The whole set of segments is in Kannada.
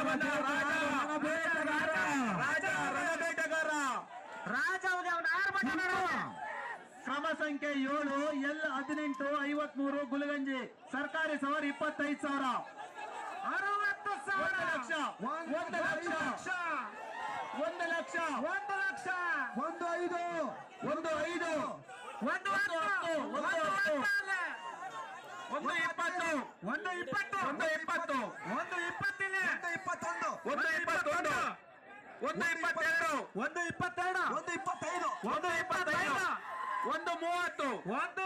ಕ್ರಮ ಸಂಖ್ಯೆ 7 L 1853 ಗುಲಗಂಜಿ ಸರ್ಕಾರಿ ಸವಾರಿ 25,000 60,000 ಲಕ್ಷ 1 ಲಕ್ಷ 1 ಲಕ್ಷ 1 ಲಕ್ಷ 1 5 1 5 1 10 1 20 1 20 1 20 1 20 1 21 1 22 1 22 1 25 1 25 1 30 1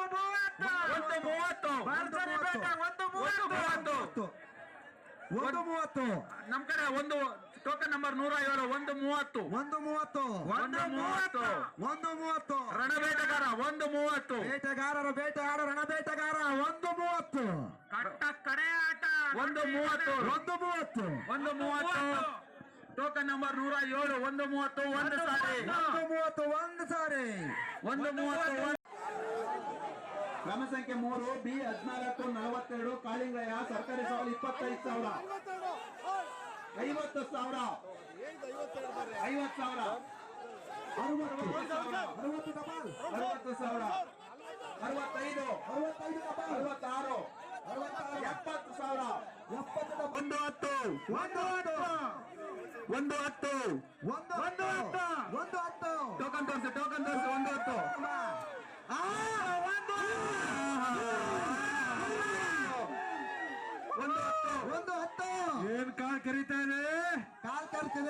30 1 30 ನಮ್ ಕಡೆ ಒಂದು ಟೋಕನ್ ನಂಬರ್ 107 1 30 1 30 1 30 1 30 ರಣಬೇಟೆಗಾರ 1 30 ಬೇಟೆಗಾರರ ಬೇಟೆಗಾರ ರಣಬೇಟೆಗಾರ 1 30 ಕಟ್ಟ ಕಡೆ ಆಟ 1 30 1 30 1 30 ಟೋಕನ್ ನಂಬರ್ 107 1 30 1 ಸಾರಿ 1 30 1 ಸಾರಿ 1 30 ಕ್ರಮ ಸಂಖ್ಯೆ 3 B 1442 ಕಾಳಿಂಗಯ್ಯ ಸರ್ಕಾರಿ ಸವಾಲು 25,000 50,000 50,000 60,000 65 66 70,000 ಟೋಕನ್ ತೋರಿಸಿ ಟೋಕನ್ ತೋರಿಸಿ 110 ಏನ್ ಕಾಲ್ ಕರೀತಾನೆ ಕಾಲ್ ಕರ್ತಿದೆ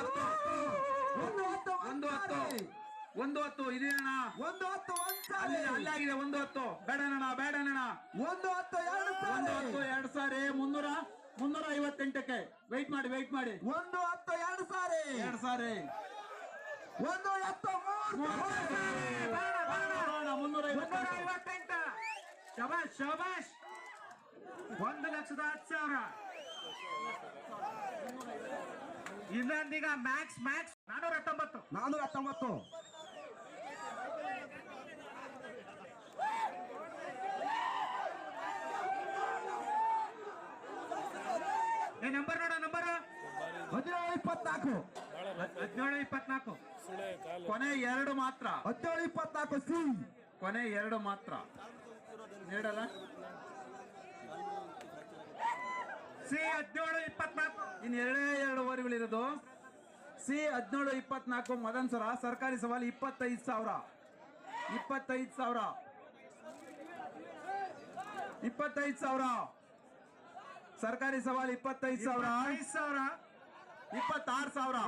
110 ಇದೇನಣ್ಣ 110 ಅಲ್ಲಾಗಿದೆ 110 ಬೇಡಣ್ಣ 110 2 ಸಾರಿ 358ಕ್ಕೆ ವೆಯ್ಟ್ ಮಾಡಿ 110 2 ಸಾರಿ 358 ಶಬಾಷ್ 1,10,000 ಇನ್ನೊಂದೀಗ ಮ್ಯಾಕ್ಸ್ 419 ನಂಬರ್ 1724 ಕೊನೆ 2 ಮಾತ್ರ 1724 ಸಿ ಕೊನೆ 2 ಮಾತ್ರ ನೀಡಲ್ಲ ಸಿ 1724 ಇನ್ನು 2 ಓವರ್ಗಳಿರೋದು ಸಿ 1724 ಮದನ್ ಸರ ಸರ್ಕಾರಿ ಸವಾಲು 25,000 ಸರ್ಕಾರಿ ಸವಾಲು 25,000 26,000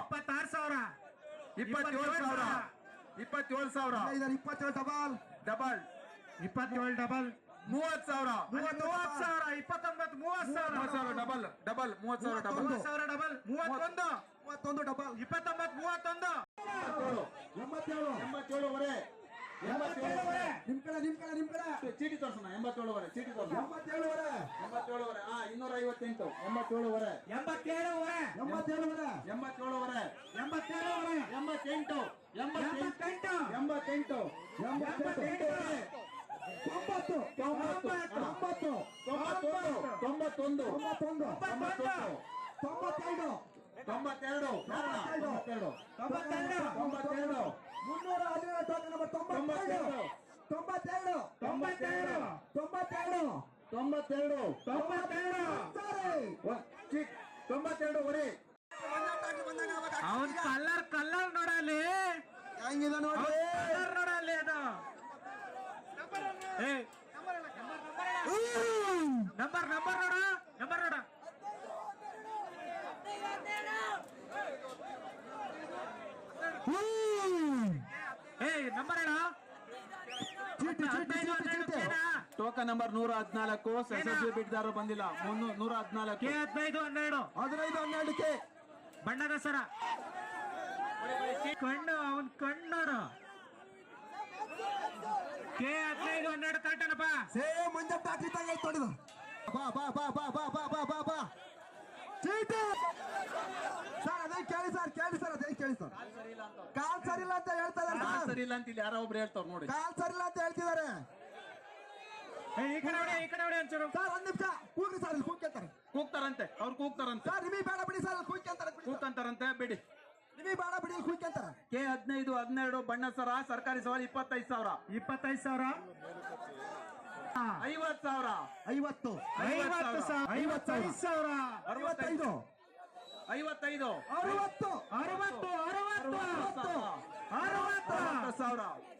27,000 ಡಬಲ್ 27 30,000 29 ಡಬಲ್ 30,000 ಡಬಲ್ 31 ಡಬಲ್ 29 87 ನಿಮ್ ಕಡೆ ಚೀಟಿ ತೋರ್ಸೋಣ 87 ಚೀಟಿ ತೋರ್ಸೋಣ 87 258 ಅವನ್ ಕಲ್ಲರ್ ನೋಡಲಿ ಹೆಂಗಿದೆ ನೋಡಲಿ ಅದು ನಂಬರ್ ನೋಡ ನಂಬರ್ ಹೇಳ ಟೋಕನ್ ನಂಬರ್ 114 ಎಸ್ಎಸ್ಬಿ ಬಿಡ್ದಾರು ಬಂದಿಲ್ಲ 114 15 ಬಣ್ಣದ ಸರ ಅವನ್ ಕಣ್ಣೋಡ ಕೆ 15 12 ಕರೆಕ್ಟನಪ್ಪ ಸೇಮ್ ಮಂಜಪ್ಪ ಹಾಕಿದ್ದಂಗೆ ತೊಡಿದು ಬಾ ಚೀಟಿ ಸರ್ ಅದೇ ಕೇಳಿ ಸರ್ ಕಾಲ್ ಸರಿ ಇಲ್ಲ ಅಂತ ಹೇಳ್ತಾ ಇದ್ದಾರೆ ಸರಿ ಇಲ್ಲ ಅಂತ ಇಲ್ಲಿ ಯಾರೋ ಒಬ್ರು ಹೇಳ್ತಾರ ನೋಡಿ ಕಾಲ್ ಸರಿ ಇಲ್ಲ ಅಂತ ಹೇಳ್ತಿದ್ದಾರೆ ಈ ಕಡೆ ಒಂಚೂರು ಸರ್ 1 ನಿಮಿಷ ಕೂಗ್ರಿ ಸರ್ ಇಲ್ಲಿ ಕೂಗ್ ಕೇಳ್ತಾರೆ ಕೂಗ್ತಾರಂತೆ ಅವ್ರು ಕೂಗ್ತಾರಂತೆ ಸರ್ ನಿಮಗೆ ಬೇಡ ಬಿಡಿ ಸರ್ ಕೂಗ್ತಾರಂತೆ ಬಿಡಿ ನಿಮಗೆ ಬೇಡ ಬಿಡಿ ಕುಯ್ಕಂತಾರ ಕೆ 15 12 ಬಣ್ಣ ಸರ ಸರ್ಕಾರಿ ಸವಾರಿ 25,000 25,000 50,000 50 55,000 65 55 60 60 60 60 60,000